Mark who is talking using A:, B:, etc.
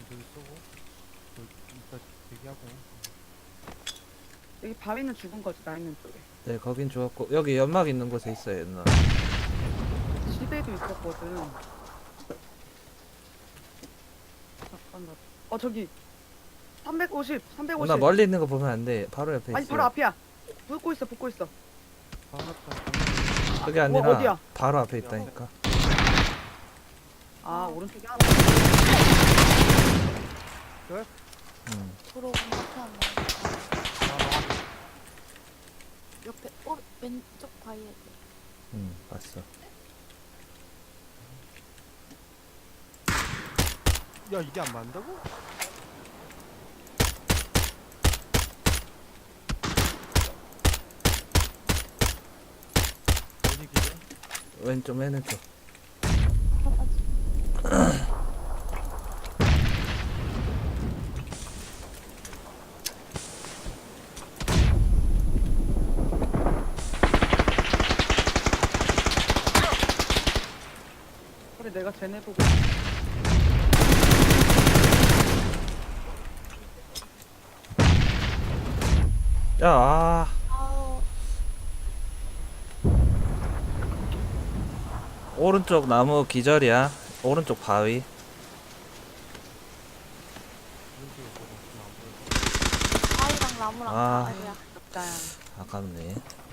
A: 저기 쏘고 저 이따 대기하고.
B: 여기 바위는 죽은 거지, 나 있는 쪽에.
C: 네, 거긴 좋았고 여기 연막 있는 곳에 있어요, 연막.
B: 지대도 있었거든. 잠깐, 저기. 350.
C: 나 멀리 있는 거 보면 안 돼. 바로 옆에
B: 아니,
C: 있어.
B: 바로 앞이야. 붙고 있어.
C: 그게 아니라
B: 어디야?
C: 바로 앞에 있다니까.
B: 아, 오른쪽에 하나.
D: 도로 건너편 옆에 왼쪽 바위에
C: 봤어.
A: 야 이게 안 맞는다고? 어디 기대?
C: 왼쪽 맨 왼쪽.
B: 그래, 내가 쟤네 보고.
C: 야, 아,
D: 아우
C: 오른쪽 나무 기절이야. 오른쪽 바위.
A: 오른쪽에 저거 안 보여서.
D: 바위랑 나무랑
C: 아.
D: 다 아니야
B: 짠.
C: 아깝네.